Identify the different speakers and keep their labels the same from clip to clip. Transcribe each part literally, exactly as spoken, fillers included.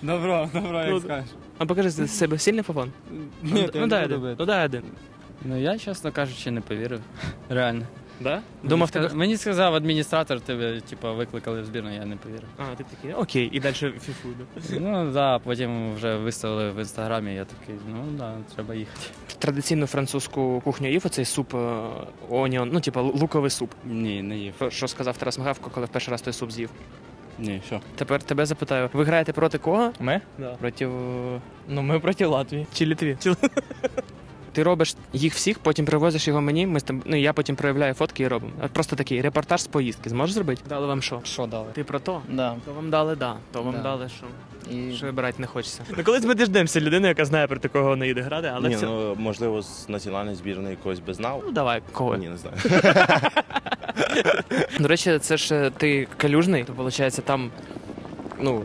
Speaker 1: Добро, добро, як
Speaker 2: Ну,
Speaker 1: скажеш.
Speaker 2: А покажи з себе сильний фафон?
Speaker 1: Ні,
Speaker 2: ну, дай один. Ну дай один.
Speaker 3: Ну я, чесно кажучи, не повірив. Реально.
Speaker 2: Да? Думав,
Speaker 3: мені,
Speaker 2: тебе...
Speaker 3: мені сказав адміністратор, тебе типу, викликали в збірну, я не повірив.
Speaker 2: А, ти такий, окей, і далі фіфу. Да?
Speaker 3: Ну так, да, потім вже виставили в інстаграмі, я такий, ну так, да, треба їхати.
Speaker 2: Традиційну французьку кухню їв оцей суп оніон, ну типа луковий суп.
Speaker 3: Ні, не їв.
Speaker 2: Що сказав Тарас Мигавко, коли в перший раз той суп з'їв?
Speaker 3: Ні, що?
Speaker 2: Тепер тебе запитаю, ви граєте проти кого?
Speaker 4: Ми?
Speaker 2: Да.
Speaker 4: Проти... Ну, ми проти Латвії.
Speaker 2: Чи Літві? Ти робиш їх всіх, потім привозиш його мені, ми з тим, ну я потім проявляю фотки і робимо. Просто такий репортаж з поїздки. Зможеш зробити? Дали вам що?
Speaker 4: Що дали?
Speaker 2: Ти про то?
Speaker 4: Да.
Speaker 2: То вам дали да, то вам
Speaker 4: Да.
Speaker 2: дали що?
Speaker 4: І...
Speaker 2: Що вибирати не хочеться. Ну колись ми діждемося людини, яка знає про такого не їде грати, але
Speaker 5: Ні,
Speaker 2: все...
Speaker 5: ну можливо, з національної збірної когось би знав.
Speaker 2: Ну давай, кого?
Speaker 5: Ні, не знаю.
Speaker 2: До речі, це ж ти калюжний, то виходить там, ну.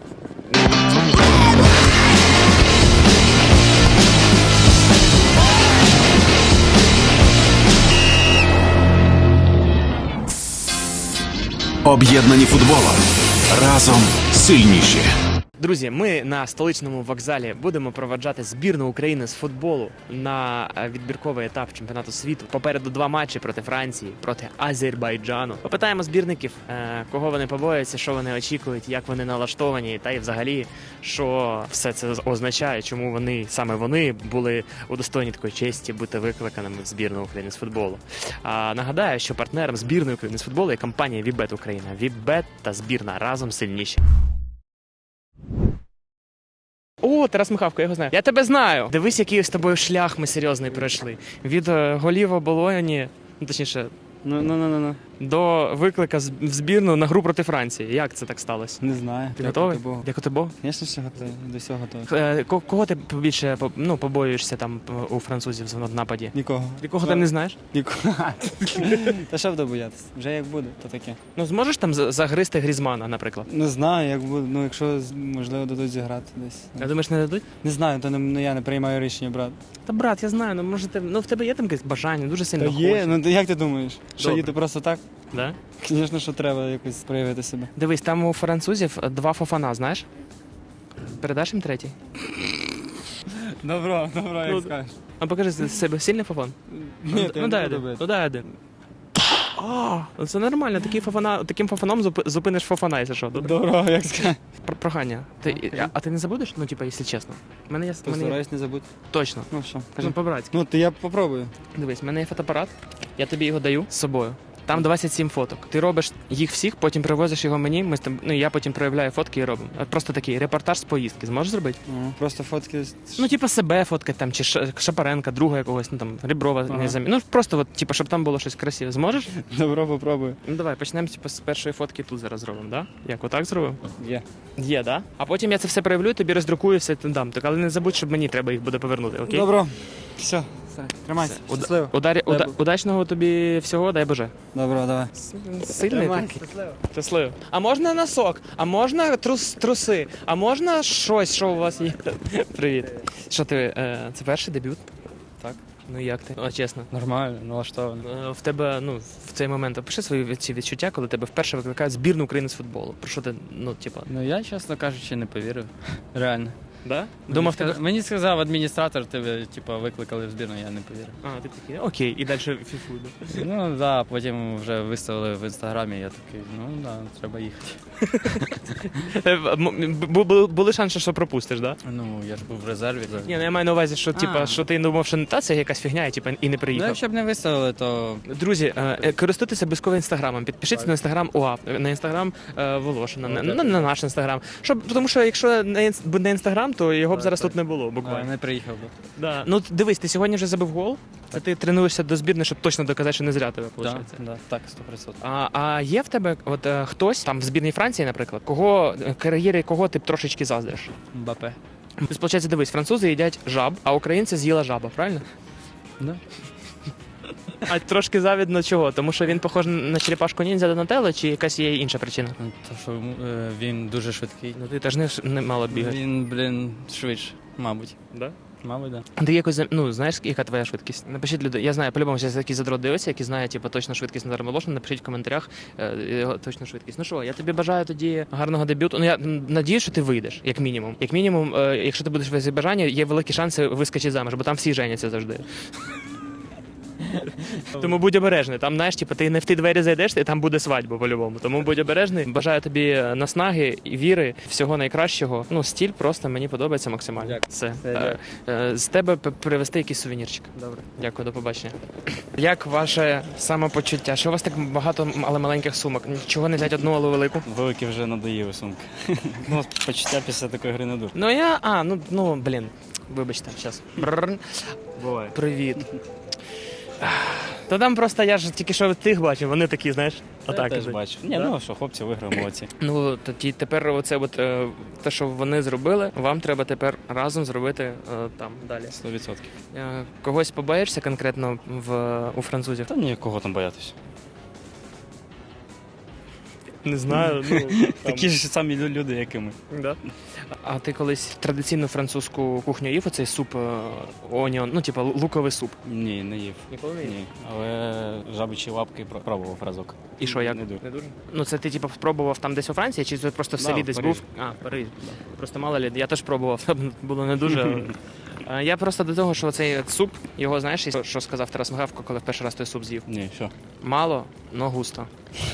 Speaker 6: Об'єднані футболом. Разом сильніші.
Speaker 2: Друзі, ми на столичному вокзалі будемо проведжати збірну України з футболу на відбірковий етап чемпіонату світу. Попереду два матчі проти Франції, проти Азербайджану. Попитаємо збірників, кого вони побоюються, що вони очікують, як вони налаштовані, та й взагалі, що все це означає, чому вони, саме вони, були удостоєні такої честі бути викликаними в збірну України з футболу. А нагадаю, що партнером збірної України з футболу є компанія Вібет Україна. Вібет та збірна разом сильніші. О, Тарас Михавко, я його знаю. Я тебе знаю. Дивись, який з тобою шлях ми серйозний пройшли. Від е, голів оболоні, ну точніше,
Speaker 3: Ну, ну, ну, ну.
Speaker 2: до виклика з- в збірну на гру проти Франції. Як це так сталося?
Speaker 1: Не знаю.
Speaker 2: Ти готовий? Дякую Богу.
Speaker 1: Звісно, що готовий. До всього готовий.
Speaker 2: Е, ко- Кого ти більше по- ну, побоюєшся там е, у французів в нападі?
Speaker 1: Нікого.
Speaker 2: Якого ти не знаєш?
Speaker 1: Нікого. Та що буду боятися? Вже як буде, то таке.
Speaker 2: Ну зможеш там за- загризти Грізмана, наприклад?
Speaker 1: Не знаю, як буде. Ну, якщо, можливо, дадуть зіграти десь.
Speaker 2: Я думаєш, не дадуть?
Speaker 1: Не знаю, то не, ну, я не приймаю рішення, брат.
Speaker 2: Та брат, я знаю, ну може ти, ну в тебе є там якесь бажання, дуже
Speaker 1: Та
Speaker 2: сильно
Speaker 1: є,
Speaker 2: хочеш.
Speaker 1: ну то як ти думаєш? Що
Speaker 2: Добре.
Speaker 1: їде просто так?
Speaker 2: Да?
Speaker 1: Звісно, що треба якось проявити себе.
Speaker 2: Дивись, там у французів два фофана, знаєш? Передаш їм третій?
Speaker 1: Добро, добро,
Speaker 2: Ну,
Speaker 1: як скажеш.
Speaker 2: А покажи з себе сильний фофон?
Speaker 1: Ні,
Speaker 2: ну, дай один. Ну дай один. А, ну це нормально, такий фофана, таким фофаном зуп- зупиниш фофана, якщо що. Добре?
Speaker 1: Добро, як скажеш.
Speaker 2: Про- Прохання. Ти,
Speaker 1: Ну,
Speaker 2: а, а ти не забудеш? Ну, типа, якщо чесно. В Мене є, в мене є...
Speaker 1: Постараюсь не забути.
Speaker 2: Точно.
Speaker 1: Ну що, кажи.
Speaker 2: Ну, по-братськи.
Speaker 1: Ну, то я попробую.
Speaker 2: Дивись, в мене є фотоапарат, я тобі його даю з собою. Там двадцять сім фоток. Ти робиш їх всіх, потім привозиш його мені, ми з тим, ну я потім проявляю фотки і робимо. От просто такий репортаж з поїздки. Зможеш зробити?
Speaker 1: Ну, просто фотки.
Speaker 2: Ну, типа себе фоткати там, чи Ш- Шапаренка, друга якогось, ну там Ріброва,
Speaker 1: Ага.
Speaker 2: не замі. Ну просто от, типа, щоб там було щось красиве. Зможеш?
Speaker 1: Добро, попробую.
Speaker 2: Ну давай, почнемо типу, з першої фотки тут зараз зробимо, да? Як отак зробимо?
Speaker 1: Є.
Speaker 2: Є, да? А потім я це все проявлю, тобі роздрукую, все ти дам. Так, але не забудь, щоб мені треба їх буде повернути, окей?
Speaker 1: Добро. Все, тримайся.
Speaker 2: Уда-
Speaker 1: Щасливо.
Speaker 2: Ударі,
Speaker 1: Дай
Speaker 2: уда,
Speaker 1: Бог.
Speaker 2: удачного тобі всього, дай Боже.
Speaker 1: Добро, давай.
Speaker 2: Сильний
Speaker 1: Тримайся,
Speaker 2: такий.
Speaker 1: щасливо.
Speaker 2: Щасливо. А можна носок? А можна трус, труси? А можна щось, що у вас є? Привіт. Що ти, е, це перший дебют?
Speaker 3: Так.
Speaker 2: Ну як ти? О, чесно.
Speaker 3: Нормально, налаштовано.
Speaker 2: Е, В тебе, ну, в цей момент опиши свої від- ці відчуття, коли тебе вперше викликають збірну України з футболу. Про що ти, ну, типа,
Speaker 3: Ну я, чесно кажучи, не повірив. Реально.
Speaker 2: да?
Speaker 3: Мені
Speaker 2: Думав,
Speaker 3: сказав-
Speaker 2: тебе...
Speaker 3: Мені сказав адміністратор, тебе типу, викликали в збірну, я не повірив.
Speaker 2: А, ти такий, окей, і далі фіфу. Да?
Speaker 3: Ну так, да, потім вже виставили в інстаграмі, я такий, ну так, да, треба їхати.
Speaker 2: Е, м- бу- бу- Були шанси, що пропустиш, да?
Speaker 3: Ну, я ж був в резерві.
Speaker 2: Ні, ну я маю на увазі, що, типа,
Speaker 3: А.
Speaker 2: що ти думав, що не та це якась фігня, і, типа, і не
Speaker 3: Ну,
Speaker 2: приїхав.
Speaker 3: якщо б не виставили, то
Speaker 2: Друзі, е, е, користуйтеся обов'язково інстаграмом. Підпишіться на інстаграм УАП, на інстаграм е, Волошина, на, на, на наш інстаграм. Щоб, тому що якщо не інс- б не інстаграм, то його б зараз тут не було,
Speaker 3: а,
Speaker 2: буквально.
Speaker 3: не приїхав би.
Speaker 2: Да. Ну дивись, ти сьогодні вже забив гол. Це ти тренуєшся до збірної, щоб точно доказати, що не зря тебе
Speaker 3: Да,
Speaker 2: виходить.
Speaker 3: да, так, сто відсотків.
Speaker 2: А, а є в тебе от е, хтось там в збірній Франції, наприклад, кого е, кар'єри кого ти б трошечки заздриш?
Speaker 3: Мбапе.
Speaker 2: Тобто, виходить, дивись, французи їдять жаб, а українці з'їла жаба, правильно?
Speaker 3: Да.
Speaker 2: А трошки завідно чого? Тому що він похож на черепашку ніндзя Донателло, чи якась є інша причина?
Speaker 3: Ну, то, що е, він дуже швидкий.
Speaker 2: Ну ти теж не, не мало бігати.
Speaker 3: Він, блін, швидше, мабуть.
Speaker 2: Да?
Speaker 3: Мабуть, да.
Speaker 2: Ти якось, зам- ну, знаєш, яка твоя швидкість? Напишіть люди. Я знаю, по-любому, зараз якісь задрот дивиться, які знають, типу, точно швидкість Назара Волошина, напишіть в коментарях е, його точну швидкість. Ну що, я тобі бажаю тоді гарного дебюту. Ну, я м, надію, що ти вийдеш, як мінімум. Як мінімум, е, якщо ти будеш в Азербайджані, є великі шанси вискочити заміж, бо там всі женяться завжди. Тому будь обережний. Там, знаєш, типу, ти не в ті двері зайдеш, і там буде свадьба по-любому. Тому будь обережний. Бажаю тобі наснаги і віри, всього найкращого. Ну, стіль просто мені подобається максимально.
Speaker 3: Дякую.
Speaker 2: Все.
Speaker 3: Все,
Speaker 2: Е, е, З тебе п- привезти якийсь сувенірчик. Добре. Дякую, до побачення. Як ваше самопочуття? Що у вас так багато, але маленьких сумок? Чого не взяти одну, але велику?
Speaker 7: Великі вже надоїли сумки. Ну, почуття після такої гри не дуже.
Speaker 2: Ну я. А, ну, ну блін. Вибачте, зараз.
Speaker 7: Буває.
Speaker 2: Привіт. Та там просто я ж тільки що тих бачив, вони такі, знаєш,
Speaker 7: Я
Speaker 2: отак.
Speaker 7: теж
Speaker 2: ідуть.
Speaker 7: бачу. Ні,
Speaker 2: Да?
Speaker 7: ну що, хлопці виграли, молодці.
Speaker 2: Ну тоді тепер оце от, е, те, що вони зробили, вам треба тепер разом зробити е, там далі.
Speaker 7: сто відсотків.
Speaker 2: Е, когось побаєшся конкретно в, у французів?
Speaker 7: Та ні, кого там боятися.
Speaker 2: Не знаю. Ну,
Speaker 7: Такі ж самі лю- люди, як і ми.
Speaker 2: Да? А ти колись традиційну французьку кухню їв оцей суп е, оніон, ну типу луковий суп?
Speaker 7: Ні, не їв.
Speaker 2: Ніколи не їв?
Speaker 7: Ні. Але жабичі лапки про- пробував разок.
Speaker 2: І що, як?
Speaker 7: Не дуже.
Speaker 2: Не дуже? Ну це ти типу спробував там десь у Франції, чи це просто в
Speaker 7: Да,
Speaker 2: селі
Speaker 7: в
Speaker 2: десь
Speaker 7: Парижі.
Speaker 2: був? А, в Парижі. Просто мало лі, я теж пробував, було не дуже. але- Е, Я просто до того, що цей суп, його знаєш, що сказав Тарас Мгавко, коли в перший раз той суп з'їв?
Speaker 7: Ні, що?
Speaker 2: Мало, но густо.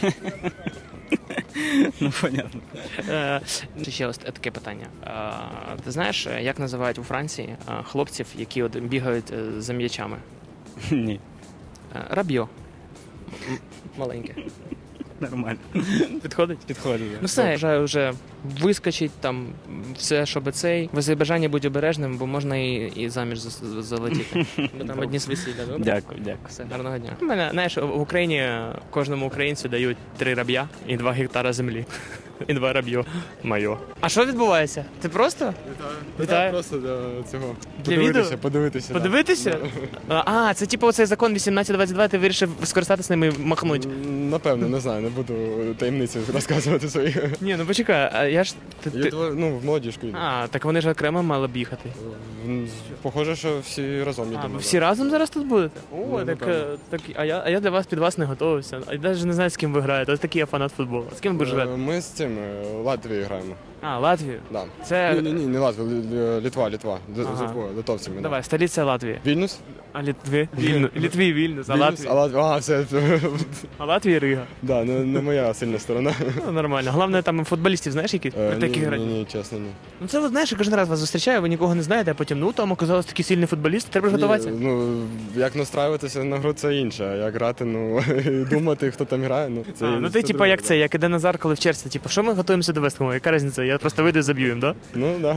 Speaker 7: Ну, понятно.
Speaker 2: Е, Ще ось таке питання. Е, Ти знаєш, як називають у Франції е, хлопців, які от бігають е, за м'ячами?
Speaker 7: Ні.
Speaker 2: Е, Раб'йо. М- Маленьке.
Speaker 7: Нормально.
Speaker 2: Підходить?
Speaker 7: Підходить.
Speaker 2: Ну все, я вважаю, вже вискочить там все, щоб цей. В Азербайджані будь обережним, бо можна і, і заміж за- за- залетіти. Бо там одні з весілля, добре?
Speaker 7: Дякую, дякую.
Speaker 2: Все, гарного дня. У мене, знаєш, в Україні кожному українцю дають три раб'я і два гектара землі. І два раб'йо. Майо. А що відбувається? Ти просто? Вітаю.
Speaker 8: Просто для цього.
Speaker 2: Для
Speaker 8: подивитися,
Speaker 2: відео?
Speaker 8: подивитися. да.
Speaker 2: Подивитися? А, це типу оцей закон вісімнадцять двадцять два, ти вирішив скористатися ним і махнути.
Speaker 8: М, Напевно, не знаю, не буду таємниці розказувати свої.
Speaker 2: Ні, ну почекай, а я ж. Ти,
Speaker 8: Я
Speaker 2: ти...
Speaker 8: тво- ну, в молодіжку йду.
Speaker 2: А, так вони ж окремо мали б їхати.
Speaker 8: М, Похоже, що всі разом
Speaker 2: А,
Speaker 8: їдемо.
Speaker 2: ви
Speaker 8: да.
Speaker 2: всі разом зараз тут будете? О,
Speaker 8: Ну,
Speaker 2: так,
Speaker 8: напевно.
Speaker 2: е, так а я, а я для вас під вас не готувався. А я навіть не знаю, з ким ви граєте. Ось такий я фанат футболу. З ким ви
Speaker 8: Е,
Speaker 2: живете?
Speaker 8: Ми з цим е, Латвією граємо.
Speaker 2: А, Латвію.
Speaker 8: Да.
Speaker 2: Це.
Speaker 8: Ні, ні, ні, не Латвія, Лі- Лі- Літва, Літва. Д-
Speaker 2: Ага.
Speaker 8: з Литвою, литовцями. да.
Speaker 2: Давай, столиця Латвії.
Speaker 8: Вільнюс?
Speaker 2: А Літві? Вільну. Літві, Вільнюс, а
Speaker 8: Вільнюс?
Speaker 2: Латвія.
Speaker 8: А, Лат... а, все.
Speaker 2: А Латвія Рига.
Speaker 8: Да, не, не моя сильна сторона.
Speaker 2: Ну, нормально. Головне, там футболістів, знаєш, які
Speaker 8: Е,
Speaker 2: такі
Speaker 8: ні,
Speaker 2: грають.
Speaker 8: ні, ні, чесно, ні.
Speaker 2: Ну це, от, знаєш, я кожен раз вас зустрічаю, ви нікого не знаєте, а потім, ну там оказалось такий сильний футболіст, треба ж готуватися.
Speaker 8: Ні, ну, як настраюватися на гру, це інше. А як грати, ну, і думати, хто там грає, ну, це
Speaker 2: А, ну
Speaker 8: це
Speaker 2: ти, типа,
Speaker 8: друге,
Speaker 2: як
Speaker 8: да.
Speaker 2: це, як іде Назар, коли в черзі, типу, що ми готуємося до Вестхему? Яка різниця? Я просто вийду і заб'ю їм, да?
Speaker 8: Ну, да.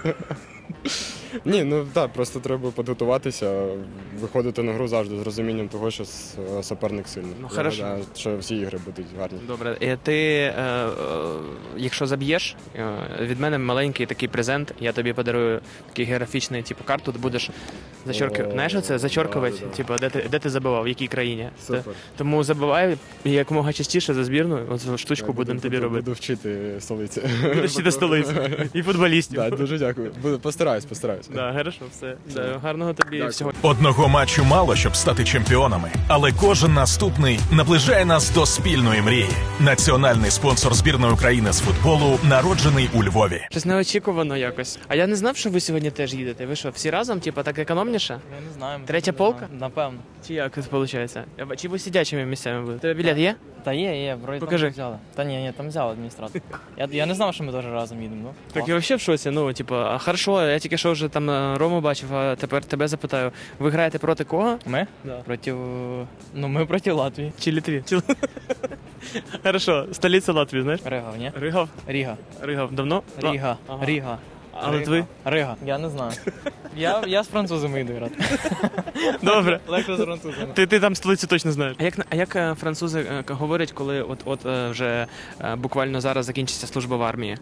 Speaker 8: Ні, ну так, просто треба підготуватися, виходити на гру завжди з розумінням того, що с- суперник сильний.
Speaker 2: Ну,
Speaker 8: Я
Speaker 2: хорошо.
Speaker 8: гадаю, що всі ігри будуть гарні.
Speaker 2: Добре, і ти, е, е, якщо заб'єш, е, від мене маленький такий презент, я тобі подарую такий географічний, типу, карту, ти будеш зачорки...
Speaker 8: О,
Speaker 2: Знаєш оце? Зачоркувати,
Speaker 8: да, да.
Speaker 2: типу, де ти, де ти забивав, в якій країні.
Speaker 8: Супер.
Speaker 2: Те- Тому забивай і якомога частіше за збірну, оцю штучку
Speaker 8: Я
Speaker 2: будемо
Speaker 8: буду-
Speaker 2: тобі
Speaker 8: буду-
Speaker 2: робити.
Speaker 8: Буду вчити столиці.
Speaker 2: Будеш вчити столицю і футболістів.
Speaker 8: Так, дуже дякую. Буду- Постараюсь, постараюсь.
Speaker 2: Да, хорошо, все. Да, гарного тобі
Speaker 8: Дякую.
Speaker 2: всього.
Speaker 6: Одного матчу мало, щоб стати чемпіонами, але кожен наступний наближає нас до спільної мрії. Національний спонсор збірної України з футболу народжений у Львові.
Speaker 2: Щось неочікувано якось. А я не знав, що ви сьогодні теж їдете. Ви що, всі разом, типу, так економніше?
Speaker 4: Я не знаю.
Speaker 2: Третя
Speaker 4: не
Speaker 2: полка?
Speaker 4: знаю. Напевно.
Speaker 2: Чи як це виходить? Чи ви сидячими місцями будете? Тебе білет є?
Speaker 4: Та є, є, вроді
Speaker 2: Покажи.
Speaker 4: там взяли. Та ні, ні, там взяли адміністратор. Я, я не знав, що ми теж разом їдемо. Ну,
Speaker 2: Так я взагалі в шоці. Ну, типу, а хорошо, я тільки що вже там е, Рому бачив, а тепер тебе запитаю. Ви граєте проти кого?
Speaker 4: Ми?
Speaker 2: Да.
Speaker 4: Проти... Ну, ми проти Латвії.
Speaker 2: Чи Літві? Чи... Хорошо, столиця Латвії, знаєш?
Speaker 4: Ригав, ні?
Speaker 2: Ригав?
Speaker 4: Ріга.
Speaker 2: Ригав давно?
Speaker 4: Ріга.
Speaker 2: Ага.
Speaker 4: Ріга.
Speaker 2: А Литви?
Speaker 4: Рига. Я не знаю. Я, я з французами йду грати.
Speaker 2: Добре.
Speaker 4: Легко з французами.
Speaker 2: Ти, ти там столицю точно знаєш. А як, а як е, французи е, говорять, коли от, от е, вже е, буквально зараз закінчиться служба в армії?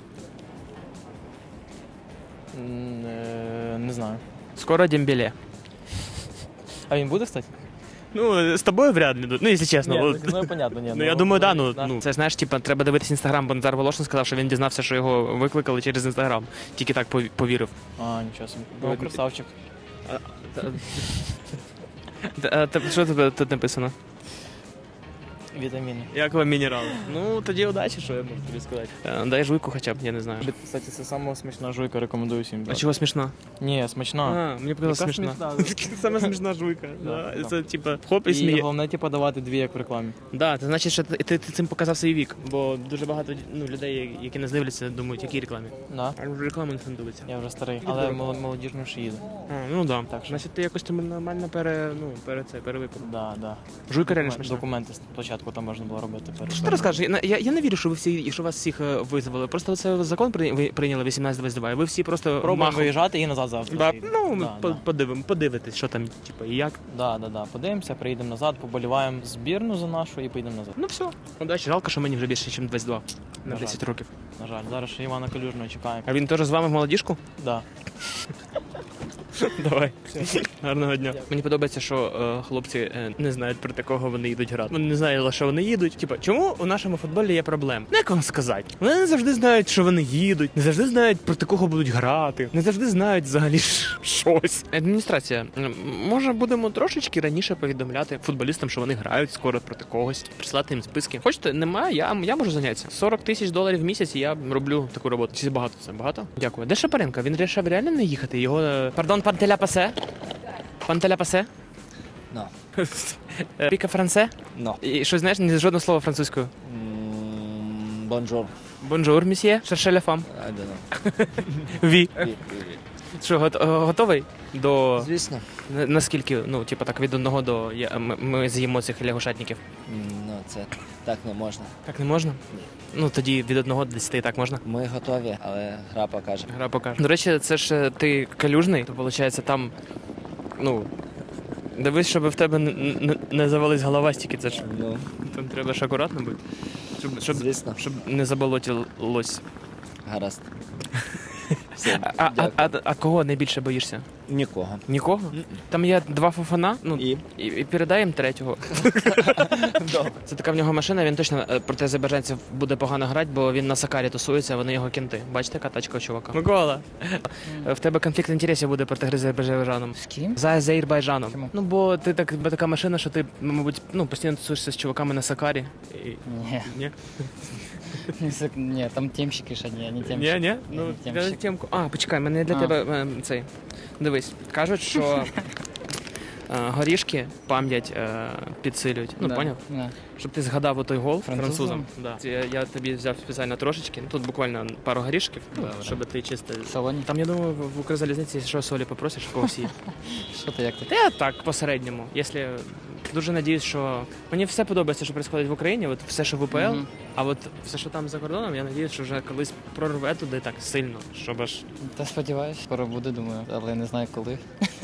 Speaker 4: М, е, Не знаю.
Speaker 2: Скоро Дембеле.
Speaker 4: А він буде, кстати?
Speaker 2: Ну, з тобою вряд ли. Ну, якщо чесно.
Speaker 4: Ні,
Speaker 2: от.
Speaker 4: ну, понятно, ні.
Speaker 2: Ну, я думаю, да, ну,
Speaker 4: да.
Speaker 2: ну, це, знаєш, типа, треба дивитися інстаграм, бо Назар Волошин сказав, що він дізнався, що його викликали через інстаграм. Тільки так пов- повірив.
Speaker 4: А, нічого собі.
Speaker 2: Ну,
Speaker 4: Ну, красавчик.
Speaker 2: Та- та- Що тебе тут написано?
Speaker 4: Вітаміни.
Speaker 2: Як вам мінерали? Ну, тоді удачі, що я можу тобі сказати. Е, Дай жуйку хоча б, я не знаю.
Speaker 4: Кстати, це сама смачна жуйка, рекомендую всім.
Speaker 2: А чого смішно?
Speaker 4: Ні, смачна.
Speaker 2: А, мені показалось
Speaker 4: Яка
Speaker 2: смішно.
Speaker 4: смішна?
Speaker 2: Саме смішна жуйка.
Speaker 4: Да,
Speaker 2: Да,
Speaker 4: да.
Speaker 2: Це типа хоп і
Speaker 4: І
Speaker 2: сміє.
Speaker 4: головне, типу, давати дві, як в рекламі.
Speaker 2: Да, це значить, що ти, ти, ти цим показав свій вік, бо дуже багато ну, людей, які нас дивляться, думають, які рекламі.
Speaker 4: Да.
Speaker 2: А в рекламу не дивляться.
Speaker 4: Я вже старий, але мол- молодіжно ще їду.
Speaker 2: А, ну да.
Speaker 4: Так що-
Speaker 2: Значить, ти якось там нормально пере, ну, пере це, перевипив.
Speaker 4: Да, да.
Speaker 2: Жуйка реально
Speaker 4: Докумен-
Speaker 2: смішна.
Speaker 4: Документи спочатку там можна було робити. перед
Speaker 2: Що
Speaker 4: тим.
Speaker 2: ти розкажеш? Я, я, я не вірю, що ви всі, що вас всіх е, визвали. Просто це закон при- ви прийняли вісімнадцять двадцять два, і ви всі просто
Speaker 4: Пробуємо
Speaker 2: махом.
Speaker 4: виїжджати і назад завтра.
Speaker 2: Да,
Speaker 4: приїдемо.
Speaker 2: ну, ми
Speaker 4: да,
Speaker 2: по-
Speaker 4: да.
Speaker 2: подивимо, подивитись, що там, типу, і як.
Speaker 4: Да, да, да. Подивимося, приїдемо назад, поболіваємо збірну за нашу і поїдемо назад.
Speaker 2: Ну все. Удачі, жалко, що мені вже більше, ніж двадцять два на
Speaker 4: На
Speaker 2: десять
Speaker 4: жаль.
Speaker 2: років.
Speaker 4: На жаль, зараз ще Івана Калюжного чекаємо.
Speaker 2: А він теж з вами в молодіжку?
Speaker 4: Да.
Speaker 2: Давай. Гарного дня. Мені подобається, що е, хлопці е, не знають проти кого вони їдуть грати. Вони не знають, що вони їдуть. Типа, чому у нашому футболі є проблем? Ну, як вам сказати? Вони не завжди знають, що вони їдуть, не завжди знають, проти кого будуть грати, не завжди знають взагалі ш- щось. Адміністрація, м, може, будемо трошечки раніше повідомляти футболістам, що вони грають скоро проти когось, прислати їм списки. Хочете, немає, я, я можу зайнятися. сорок тисяч доларів в місяць, і я роблю таку роботу. Чи багато це? Багато? Дякую. Де Шапаренко? Він вирішив реально не їхати. Його. е, Пардон, пан Теля Пасе? Пан Теля Пасе?
Speaker 9: No.
Speaker 2: Е, Піка Франце?
Speaker 9: No.
Speaker 2: І що знаєш, ні жодного слова французькою.
Speaker 9: Mm, bonjour.
Speaker 2: Бонжур, місьє. Шерше ля фам.
Speaker 9: I don't know.
Speaker 2: Ві.
Speaker 9: Ві- ві- ві.
Speaker 2: Що, гот- е, готовий? До.
Speaker 9: Звісно.
Speaker 2: На- Наскільки, ну, типу так, від одного до. Я, ми, ми з'їмо цих лягушатників.
Speaker 9: М, Ну, це так не можна.
Speaker 2: Так не можна? Ну, тоді від одного до десяти так можна.
Speaker 9: Ми готові, але гра покаже.
Speaker 2: Гра покаже. До речі, це ж е, ти калюжний, то виходить там. Ну. Дивись, щоб в тебе не, не, не завались голова стільки, це ж.
Speaker 9: Ну,
Speaker 2: Там треба ж акуратно бути. Щоб, щоб,
Speaker 9: звісно.
Speaker 2: щоб не заболотілось.
Speaker 9: Гаразд. Все,
Speaker 2: А, а,
Speaker 9: дякую.
Speaker 2: а, а кого найбільше боїшся?
Speaker 9: Нікого.
Speaker 2: Нікого? Там є два фофана, ну
Speaker 9: І?
Speaker 2: і, і передай їм третього. Це така в нього машина, він точно е, проти азербайджанців буде погано грати, бо він на Сакарі тусується, а вони його кінти. Бачите, яка тачка у чувака? Микола, е, в тебе конфлікт інтересів буде проти гри з Азербайджаном.
Speaker 4: З ким?
Speaker 2: За Азербайджаном.
Speaker 4: Чому?
Speaker 2: Ну бо ти так бо така машина, що ти, мабуть, ну постійно тусуєшся з чуваками на Сакарі. І...
Speaker 7: Ні,
Speaker 2: Ні?
Speaker 7: ні, там темщики ж одні, а не темщики.
Speaker 2: Ні, ні. Ну,
Speaker 7: Ні,
Speaker 2: я
Speaker 7: темщик.
Speaker 2: темку. А, почекай, мене для
Speaker 7: А.
Speaker 2: тебе е, цей. Дивись, кажуть, що е, горішки пам'ять е, підсилюють. Ну,
Speaker 7: Да,
Speaker 2: поняв?
Speaker 7: да.
Speaker 2: Щоб ти згадав отой гол
Speaker 7: Французом?
Speaker 2: французом. Да. Це Я, я тобі взяв спеціально трошечки. Тут буквально пару горішків, ну,
Speaker 7: Добре.
Speaker 2: щоб ти чисто.
Speaker 7: В салоні?
Speaker 2: Там, я думаю, в в Укрзалізниці, що солі попросиш, в когось є.
Speaker 7: Що ти, як ти?
Speaker 2: Та я так, по-середньому. Якщо дуже надіюсь, що мені все подобається, що відбувається в Україні, от все, що в УПЛ,
Speaker 7: Мгм.
Speaker 2: а от все, що там за кордоном, я надіюсь, що вже колись прорве туди так сильно, щоб аж.
Speaker 7: Та сподіваюсь, скоро буде, думаю, але не знаю коли.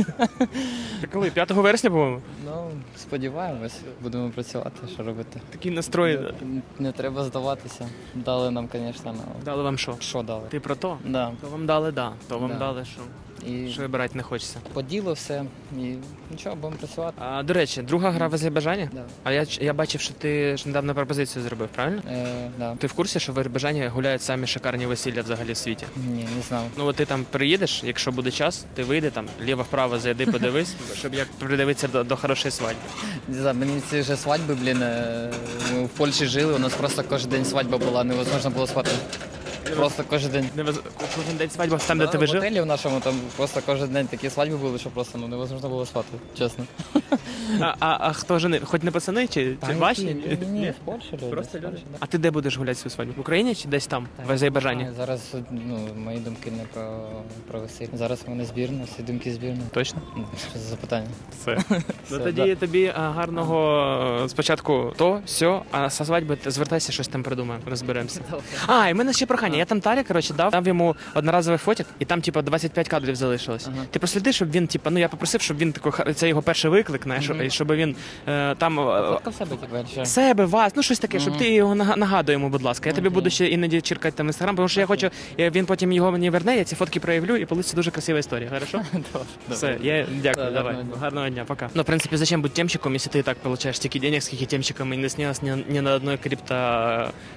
Speaker 2: Та коли? п'ятого вересня, по-моєму?
Speaker 7: Ну, сподіваємось, будемо працювати, що робити.
Speaker 2: Такий настрой.
Speaker 7: Не, не треба здаватися. Дали нам, звісно, ну,
Speaker 2: Дали вам що?
Speaker 7: що дали.
Speaker 2: Ти про то?
Speaker 7: Да.
Speaker 2: То вам дали, да. То вам
Speaker 7: Да.
Speaker 2: дали, що.
Speaker 7: І
Speaker 2: Що вибирати не хочеться.
Speaker 7: по ділу все. І нічого, будемо працювати.
Speaker 2: А, до речі, друга гра в Азербайджані?
Speaker 7: Да.
Speaker 2: А я, я бачив, що ти ж недавно пропозицію зробив, правильно?
Speaker 7: Е, да.
Speaker 2: Ти в курсі, що в Азербайджані гуляють самі шикарні весілля взагалі в світі?
Speaker 7: Ні, не знав.
Speaker 2: Ну от ти там приїдеш, якщо буде час, ти вийди там, ліво-вправо зайди, подивись, щоб як придивитися до, до хорошої свадьби.
Speaker 7: Не знаю, мені ці вже свадьби, блін, е, ми в Польщі жили, у нас просто кожен день свадьба була, невозможно було спати. Просто кожен день.
Speaker 2: Не вез- Кожен день свадьба там, де
Speaker 7: Да,
Speaker 2: ти
Speaker 7: в
Speaker 2: жив?
Speaker 7: готелі в нашому там просто кожен день такі свадьби були, що просто ну, невозможно було спати, чесно.
Speaker 2: А, а, а хто жени? Хоч не пацани, чи, чи ваші?
Speaker 7: Ні, ні, ні, в Польщі люди.
Speaker 2: Просто
Speaker 7: в
Speaker 2: люди.
Speaker 7: Польщі, да.
Speaker 2: А ти де будеш гуляти свою свадьбу? В Україні чи десь там, в Азербайджані?
Speaker 7: А, зараз ну, мої думки не про, про весілля. Зараз в мене збірна, всі думки збірна.
Speaker 2: Точно?
Speaker 7: Ну, Що за запитання?
Speaker 2: Все. Ну
Speaker 7: Все,
Speaker 2: тоді тобі а, гарного е, спочатку то, сьо, а со свадьби ти звертайся, щось там придумаємо, розберемося. А, і в мене ще прохання. Я там Тарі, коротше, дав, дав йому одноразовий фотик, і там, типу, двадцять п'ять кадрів залишилось.
Speaker 7: Ага.
Speaker 2: Ти просліди, щоб він, типу, ну я попросив, щоб він такий, це його перший виклик, знаєш,
Speaker 7: Мгм.
Speaker 2: і щоб він е, там. е,
Speaker 7: Фотка в себе, типу, чи що?
Speaker 2: Себе, вас, ну щось таке, щоб
Speaker 7: Мгм.
Speaker 2: ти його нага- нагадуй йому, будь ласка. Я тобі
Speaker 7: Окей.
Speaker 2: буду ще іноді чіркати там інстаграм, тому що я хочу, я, він потім його мені верне, я ці фотки проявлю і вийде дуже красива історія. Хорошо? Все, я дякую,
Speaker 7: Да,
Speaker 2: давай.
Speaker 7: гарного дня.
Speaker 2: Гарного дня, пока. Ну, в принципе, зачем быть темщиком, если ты и так получаешь стільки денег, скільки темщиком і не снялся ни, ни на одной крипто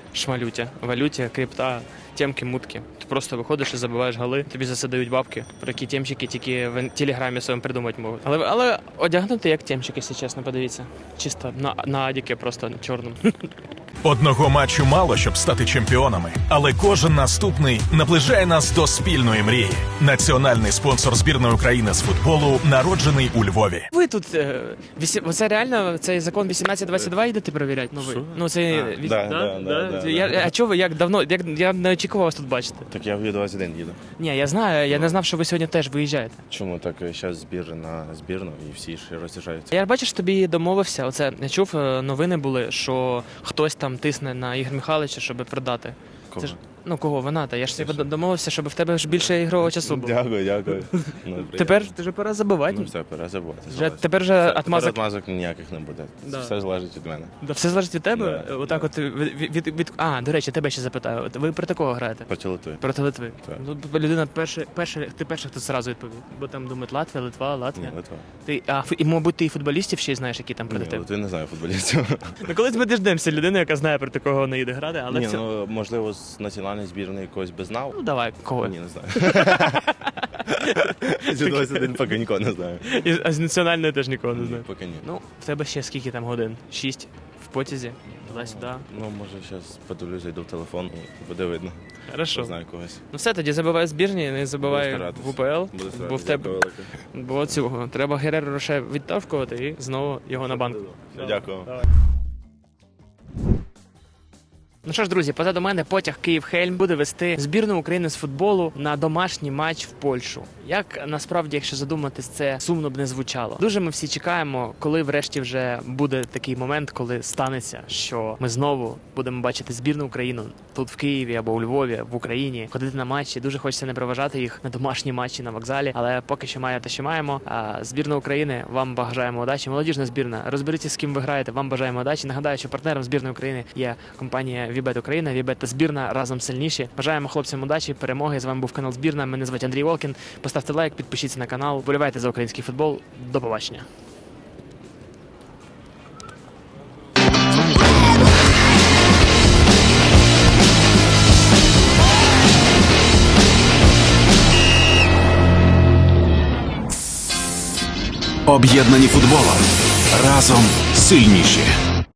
Speaker 2: шмалюті, валюті, крипта, темки, мутки. Ти просто виходиш і забиваєш голи, тобі за це дають бабки, про які темчики тільки в телеграмі своєму придумати можуть. Але, але одягнути як темчик, якщо чесно, подивіться. Чисто на, на адіки просто чорному.
Speaker 6: Одного матчу мало, щоб стати чемпіонами, але кожен наступний наближає нас до спільної мрії. Національний спонсор збірної України з футболу народжений у Львові.
Speaker 2: Ви тут, е, вісі... оце реально, цей закон вісімнадцять двадцять два йдете перевіряти? Ну, ви?
Speaker 5: Що?
Speaker 2: Ну, це...
Speaker 5: А,
Speaker 2: віс-
Speaker 5: да, да, да, да,
Speaker 2: я,
Speaker 5: да.
Speaker 2: А чого ви, як давно, як, я не очікував вас тут бачити.
Speaker 5: Так я в двадцять один їду.
Speaker 2: Ні, я знаю, я не знав, що ви сьогодні теж виїжджаєте.
Speaker 5: Чому так зараз збір на збірну і всі ж роз'їжджаються?
Speaker 2: Я бачиш, тобі домовився. Оце я чув, е, новини були, що хтось там тисне на Ігор Михайловича, щоб продати.
Speaker 5: Кого?
Speaker 2: Це ж, ну кого вона? Та я ж тобі домовився, щоб в тебе ж більше ігрового часу було.
Speaker 5: Дякую, дякую. Ну, приємно.
Speaker 2: Тепер ти вже пора забивати.
Speaker 5: Ну все, пора забувати.
Speaker 2: Вже, тепер вже
Speaker 5: Все,
Speaker 2: отмазок.
Speaker 5: тепер отмазок ніяких не буде.
Speaker 2: Да.
Speaker 5: Все залежить від мене.
Speaker 2: Да, все залежить від тебе.
Speaker 5: Да,
Speaker 2: Отак,
Speaker 5: да.
Speaker 2: от від, від, від, а, до речі, тебе ще запитаю. От ви проти кого граєте?
Speaker 5: Проти Литви.
Speaker 2: Проти Литви.
Speaker 5: Так.
Speaker 2: Ну, людина перша, перша, ти перший, хто зразу відповів. Бо там думають Латвія, Литва, Латвія.
Speaker 5: Ні, Литва.
Speaker 2: Ти, а, фу- і, мабуть, ти і футболістів ще й знаєш, які там проти
Speaker 5: Ні,
Speaker 2: тебе.
Speaker 5: Литви не знаю футболістів.
Speaker 2: Ну, колись ми діждемося людини, яка знає, проти кого вона їде грати, але
Speaker 5: Ні,
Speaker 2: це...
Speaker 5: ну можливо з національної збірної когось би знав.
Speaker 2: Ну, давай, кого?
Speaker 5: Ні, не знаю. З двадцять один поки нікого не знаю.
Speaker 2: І, а з національної теж нікого не знаю.
Speaker 5: Поки ні.
Speaker 2: Ну, в тебе ще скільки там годин? Шість в потязі, туди-сюди.
Speaker 5: Ну, може, зараз подивлюсь, зайду в телефон і буде видно.
Speaker 2: Хорошо.
Speaker 5: Знаю когось.
Speaker 2: Ну все, тоді забивай збірні, не забивай
Speaker 5: Буду старатись.
Speaker 2: в УПЛ,
Speaker 5: Буду
Speaker 2: бо в
Speaker 5: старатись.
Speaker 2: тебе
Speaker 5: Дякую велике.
Speaker 2: бо цього. Треба Гереро Роше відтавкувати і знову його на банк.
Speaker 5: Дякую.
Speaker 2: Ну що ж, друзі, позаду мене потяг Київ-Хельм буде вести збірну України з футболу на домашній матч в Польщу. Як насправді, якщо задуматись, це сумно б не звучало. Дуже ми всі чекаємо, коли врешті вже буде такий момент, коли станеться, що ми знову будемо бачити збірну Україну тут в Києві або у Львові, в Україні, ходити на матчі. Дуже хочеться не проважати їх на домашні матчі на вокзалі, але поки що має те, що маємо. А збірна України, вам бажаємо удачі. Молодіжна збірна, розберіться, з ким ви граєте. Вам бажаємо удачі. Нагадаю, що партнером збірної України є компанія Вібет Україна, Вібет та збірна разом сильніші. Бажаємо хлопцям удачі, перемоги. З вами був канал Збірна. Мене звати Андрій Волкін. Поставте лайк, підпишіться на канал, вболівайте за український футбол. До побачення.
Speaker 10: Об'єднані футболом. Разом сильніші.